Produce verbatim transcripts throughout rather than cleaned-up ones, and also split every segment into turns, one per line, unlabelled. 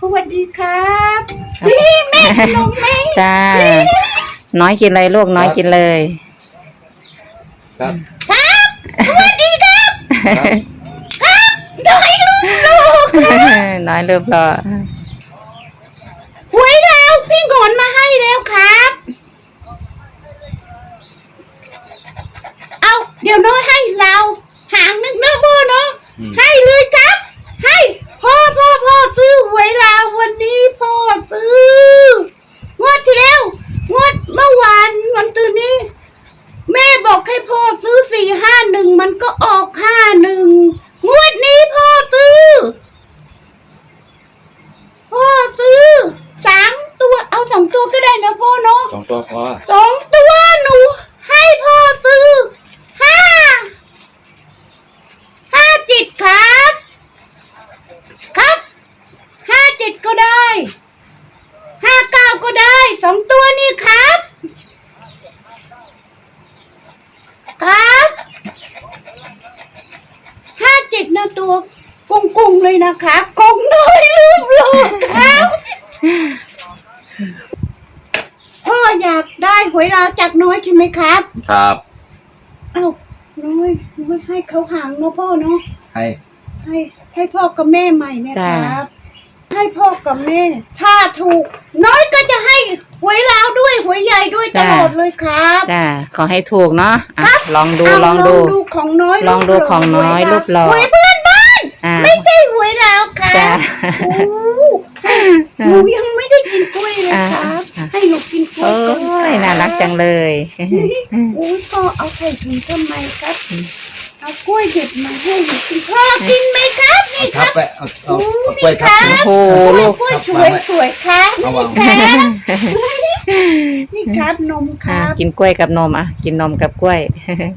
วัสดีครับพี่แม่ขนมไหม
จ้าน้อยกินเลยลูกน้อยกินเลย
ครับครับสวัสดีครับครับน้อยลูกลูก
น้อยลูกรอ
หวยแล้วพี่งอนมาให้แล้วครับเอาเดี๋ยวน้อยให้เราหางนึงเนาะพ่อเนาะให้เลยครับให้พ่อพ่อพ่อซื้อหวยลาววันนี้พ่อซื้องวดที่แล้วงวดเมื่อวานวันตื่นนี้แม่บอกให้พ่อซื้อสี่ห้าหนึ่งมันก็ออกห้าหนึ่งงวดนี้พ่อซื้อพ่อซื้อสามตัวเอาสองตัวก็ได้นะพ่อเนาะ
สองตัวพอ
สองตัวหนูให้พ่อซื้อห้าห้าเจ็ดครับครับห้าเจ็ดก็ได้ห้าเก้าก็ได้สองตัวนี่ครับครับห้าเจ็ดนะตัวกุ้งๆเลยนะครับกุ้งน้อยลืมเลยครับพ่ออยากได้หวยลาวจากน้อยใช่ไหมครับ
ครับ
เอ้าน้อยน้อยให้เขาหางเนาะพ่อเนาะ
ให้
ให้ให้พ่อกับแม่ใหม่เนี่ยครับให้พ่อกับแม่ถ้าถูกน้อยก็จะให้หวยลาวด้วยหวยใหญ่ด้วยตลอดเลยครับ
จ้าขอให้ถูกเนาะลองดูลองดู
ลองดูของน้อย
ลองดูของน้อยรูปหล่อ
หวยเพื่อนบ้านไม่ใช่หวยลาวครับหนูยังไม่ได้กินกล้วยเลยครับให้หนูกินกล้วยก่อน
น่ารักจังเลย
โอ้ยพ่อเอาใส่ถุงทำไมครับเอากล้วยเด็ดมาให้หนูกินพ่อกินไหมครับนี่ครับ
เอาเอากล้วยทับ
โอ้ลูกกล้วยสวยสวยครับนี่ครับนี่ครับนมครับ
กินกล้วยกับนมอ่ะกินนมกับกล้วย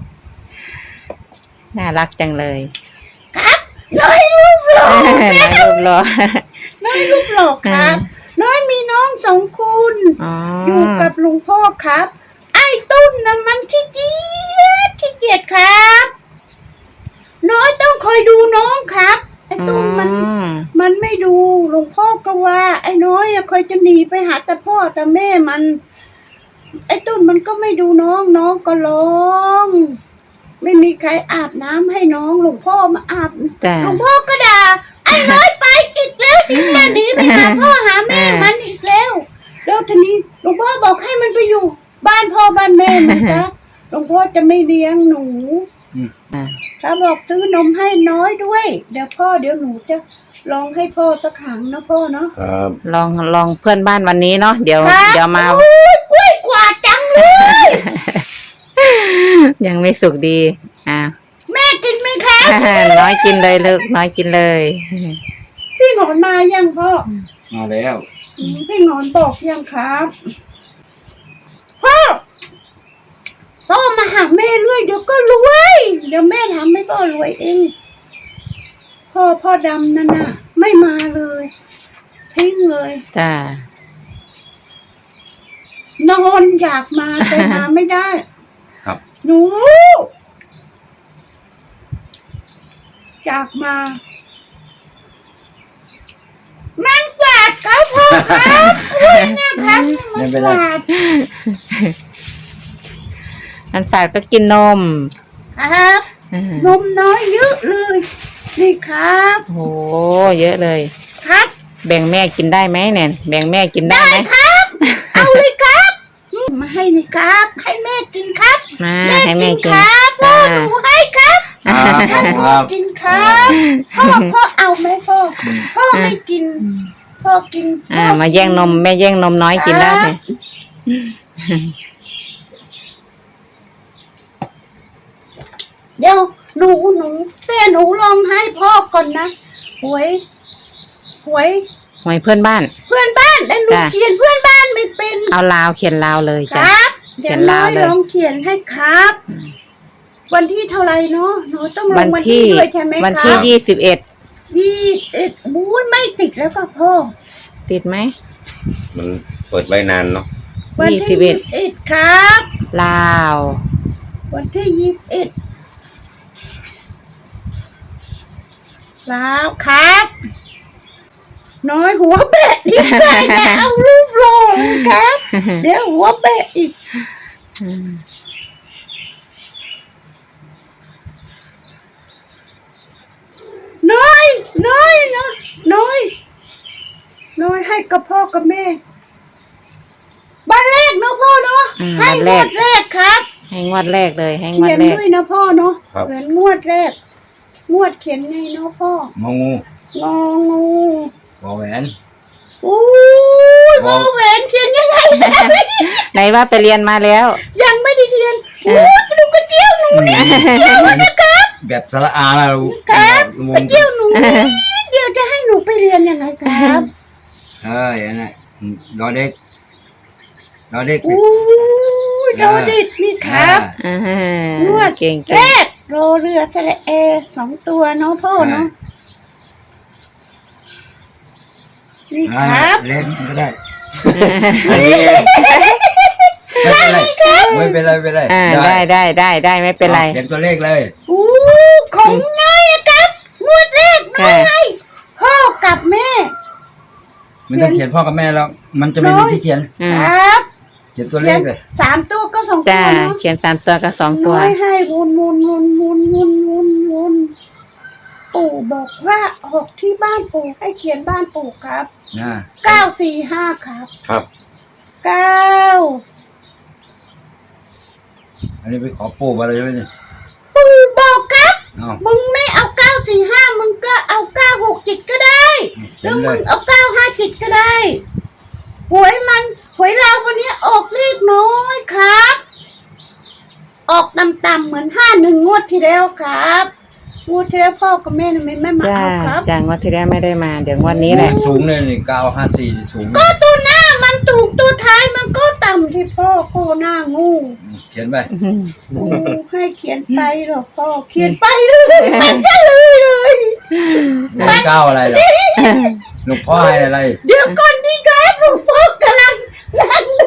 น่ารักจังเลย
ครับน้อยลูกหล่อ
น้อยลูกหล่อ
น้อยลูกหล่อครับน้อยมีน้องสองคนอยู่กับลุงพ่อครับไอ้ตุ้นน่ะมันขี้เกียจขี้เกียจครับน้อยต้องคอยดูน้องครับไอ้ตุ้นมันมันไม่ดูลุงพ่อก็ว่าไอ้น้อยอะคอยจะหนีไปหาแต่พ่อแต่แม่มันไอ้ตุ้นมันก็ไม่ดูน้องน้องก็ร้องไม่มีใครอาบน้ำให้น้องหลวงพ่อมาอาบหลวงพ่อก็ด่าไอ้น้อยไปอีกแล้วหนีมาหนีไปหาพ่อหาแม่มันอีกแล้วแล้วทีนี้หลวงพ่อบอกให้มันไปอยู่บ้านพ่อบ้านแม่มันนะหลวงพ่อจะไม่เลี้ยงหนูเขาบอกซื้อนมให้น้อยด้วยเดี๋ยวพ่อเดี๋ยวหนูจะลองให้พ่อสักครั้งนะพ่อเนาะ
ครับ
ลองลองเพื่อนบ้านวันนี้เนาะเดี๋ยวเดี๋ยวม
ากล้วยกว่าจังเลย
ยังไม่สุกดีอ่ะ
แม่กินไหมคะ
น้อยกินเลยลูกน้อยกินเลย
พี่หนอนมายังพ่อ
มาแล้ว
พี่หนอนบอกยังครับพ่อพ่อมาหาแม่รวยเดี๋ยวก็รวยเดี๋ยวแม่ทำให้พ่อรวยเองพ่อพ่อดำนั่นน่ะไม่มาเลยทิ้งเลย
จ้
านอนอยากมาแต่มาไม่ได้
ครับ
หนูอยากมามันกวาดครับพ่อครับเนี่ยครับมันกวาด
มันฝาดก็กินนม
ครับนมน้อยเยอะเลยนี่ครับ
โอ้เยอะเลย
ครับ
แบ่งแม่กินได้ไหมเนี่ยแบ่งแม่กินได้ไหม
ครับเอาเลยครับมาให้นี่ครับให้แม่กินครับ
มาให้แม่กิน
ครับพ่อหนูให้ครับกินครับพ่อพ่อเอาไหมพ่อพ่อไม่กินพ่อกิน
อ่ามาแย่งนมแม่แย่งนมน้อยกินได้เลย
เดี๋ยวหนูหนูแต่หนูลองให้พ่อก่อนนะหวยหวย
หวยเพื่อนบ้าน
เพื่อนบ้านแต่หนูเขียนเพื่อนบ้านไม่เป็น
เอาลาวเขียนลาวเลย
จ้ะเขียนลาวเลยลองเขียนให้ครับวันที่เท่าไรเนาะหนูต้องลงวันที่ด้วยใช่ไหมครับ
วันที่ยี่สิบเอ็ด
ยี่สิบเอ็ดบู๊ไม่ติดแล้วค่ะพ่อ
ติดไหม
มันเปิดไว้นานเนาะ
วันที่ยี่สิบเอ็ดครับ
ลาว
วันที่ยี่สิบเอ็ดลาวครับน้อยหัวแบะดีใจนะเอารูปหล่อเลยครับ เดี๋ยวหัวแบะอีกน้อยน้อยน้อยน้อยน้อยให้กับพ่อกับแม่บ้านแรกเนาะพ่อเนาะ
อืม
ให้ง
บ้านแร
ว
ก
ดแรกครับ
ให้งวดแรกเลยให้งว
เขี
ด
ยน
แรก
ด้วยนะพ่อเนาะ
ครับ
เหมือนงวดแรก งวดเขียนไงเนาะพ่อง
องู
งองู
วอแหวน
อู้ยพ่อแหวนเขียนยังไง
ไหนว่าไปเรียนมาแล้ว
ยังไม่ได้เรียนโอ้ยไปดูกระเจียวหนูนี่เจียวนะครับ
แบบสระอาแล้ว
ครับ
ว
ก
ง
ระเจียวหนูนี่เดี๋ยวจะให้หนูไปเรียนยังไงครับ
เอ้ยอันนั้นรอเด็กรอเด็ก
อู้ยโดดิดนี่ครับ
อ่าฮะ
งวด
เก่ง
แร
เก่ง
กโรเรือสระเอสองตัวเนาะพ่อเนาะนี่
อ่า
ครับ
เล่นก็ได้ไม่เป็นไรไม่เป็นไรไม่เป็นไร
อ่าได้ได้ได้ได้ไม่เป็นไร
เขียนตัวเลขเลย
อู้ของน้อยอะครับงวดแรกน้อยให้พ่อกับแม่
มันต้องเขียนพ่อกับแม่แล้ว มันจะไม่มีที่เขียน
อื
ค
ม
รับ
เขียนตัวเลขเลย
สามตัวก็สองตั
จ้าว
เนาะ
เขียนสามตัวกับสองตัว
น้อยให้วนวนวนวนวนวนวนปู่บอกว่าออกที่บ้านปู่ให้เขียนบ้านปู่ครับ
นะ
เก้าสี่ห้าครับ
ครับ
เก้า
อันนี้ไปขอปู่มาเลยใช่ไหมเนี่ย
ปู่บอกครับ
เอา
มึงไม่เอาเก้าสี่ห้ามึงก็เอาเก้าหกจิตก็ได้
เขี
แล้
ยน
ว
เล
มึ
ย
งเอาเก้าห้าจิตก็ได้หวยมันหวยเราวันนี้ออกเลขน้อยครับ ออกต่ำๆเหมือนห้าหนึ่งงวดที่แล้วครับงวดที่แล้วพ่อกับแม่ทำไมไม่มา
จ้า
เอาครับ
จ้างวดที่แล้วไม่ได้มา เดี๋ยวงวันนี้แหละ
สูงเลยนี่เก้าห้าสี่สูง
ก็ตัวหน้ามันถูกตัวท้ายมันก็ต่ำที่พ่อโคหน้างู
เขียนไป
อืม
โอ้ให้เขียนไปเหรอพ่อเขียนไปเลยมันก็เลยเลย
เลขเก้าอะไรเหรอหลวงพ่อให้อะไร
เดี๋ยวก่อนดีครับหลวงพ่อกำลังนั่งดู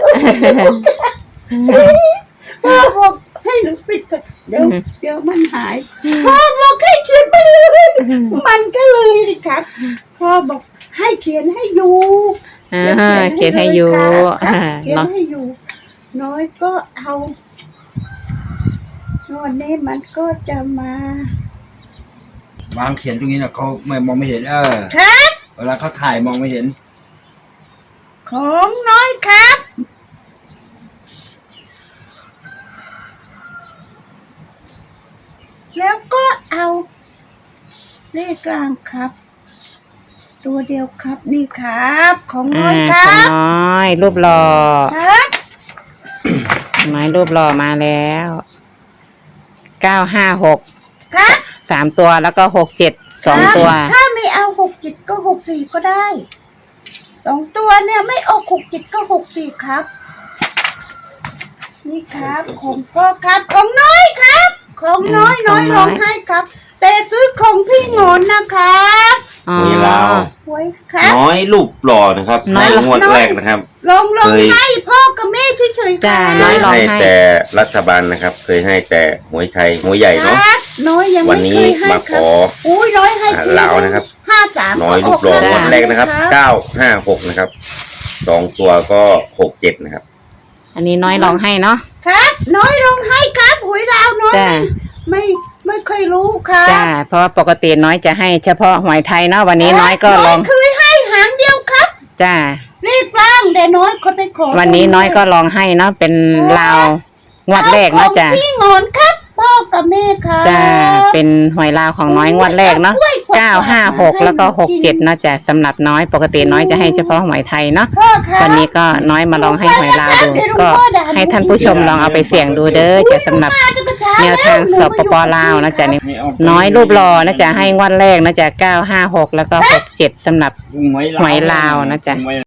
พ่อบอกให้หนูปิดก่อนเดี๋ยวเดี๋ยวมันหายพ่อบอกให้เขียนไปเลยมันก็เลยดิครับพ่อบอกให้เขียนให้อยู่
อ่าเขียนให้อยู่
ครับ
อ่า
เขียน
เนาะ
ให้อยู่ น้อยก็เอาวันนี้มันก็จะมา
วางเขียนตรงนี้นะเขาไม่มองไม่เห็น เออ
ครับ
เวลาเขาถ่ายมองไม่เห็น
ของน้อยครับ แล้วก็เอาเลขกลางครับ ตัวเดียวครับนี่ครับ ของน้
อ่า
อยค
ข
รั
อง
บ
น้อย รูปหล่อ
ครับ
น้อยรูปหล่อมาแล้วเก้าห้าหก
ครับ
สามตัวแล้วก็หกเจ็ดสองตัว
ครับถ้าไม่เอาหกจิตก็หกสี่ก็ได้สองตัวเนี่ยไม่ออกหกจิตก็หกสี่ครับ นี่ครับของพ่อครับของน้อยครับ ของน้อย
อืม
น้อย
ของน้
ร้
อ
อย งให้ครับ แต่ซื้อของพี่งอนนะครับ
อ๋อ
มีลาว
หวยครับ
น้อยรูปหล่อนะครับ
น้
ใน
อยหล่อ
งวดแรกนะครับ
ลองลอง
เคย
ให้พ่อกับแม่เฉยๆค
จ้า
รับ
น้อยลอง
ให้
ให้
แต่รัฐบาลนะครับ เคยให้แต่หวยไทยหวยใหญ่
ค
เนาะ
รับน้อยยัง
วั
ไม่
น
เค
นี้
ยให้
มา
ค
ข
รับ
อ
อุ้ยน้อยให้
อ่า
ที
ลาวนะครับ
ห้าสาม
น้อยรูปหล่องวดแรกนะครับ
ครับ
เก้าห้าหกนะครับสองตัวก็หกเจ็ดนะครับ
อันนี้น้อยลองให้เนาะ
ครับ น้อยลองให้ครับหวยลาวน้อย
จ้า
ไม่ไม่เคยรู้ครับ
จ้า เพราะว่าปกติน้อยจะให้เฉพาะหวยไทยเนาะวันนี้น้อยก็ลอง
น้ยเคยให้หางเดียวครับ
จ้า
เรียกร่างแต่น้อยคนไปขอ
วันนี้น้อยก็ลองให้เนาะเป็นลาวงวดแรกเนาะจ้า
อพี่งอนครับพ่อกับแม่ครับ
จ้าเป็นหวยลาวของน้อยงวดแรกเนาะเก้าห้าหกแล้วก็หกเจ็ดเนาะจ้ะสำหรับน้อยปกติน้อยจะให้เฉพาะหวยไทยเนาะ
พ่อครับ
วันนี้ก็น้อยมาลองให้หวยลาวดู ก็ให้ท่านผู้ชมลองเอาไปเสี่ยงดูเด้อจะสำหรับแนวทางสปปลาวนะจ๊ะนี่น้อยรูปหล่อนะจ๊ะให้งวดแรกนะจ๊ะเก้าห้าหกแล้วก็หกเจ็ดสำหรับหวยลาวนะจ๊ะ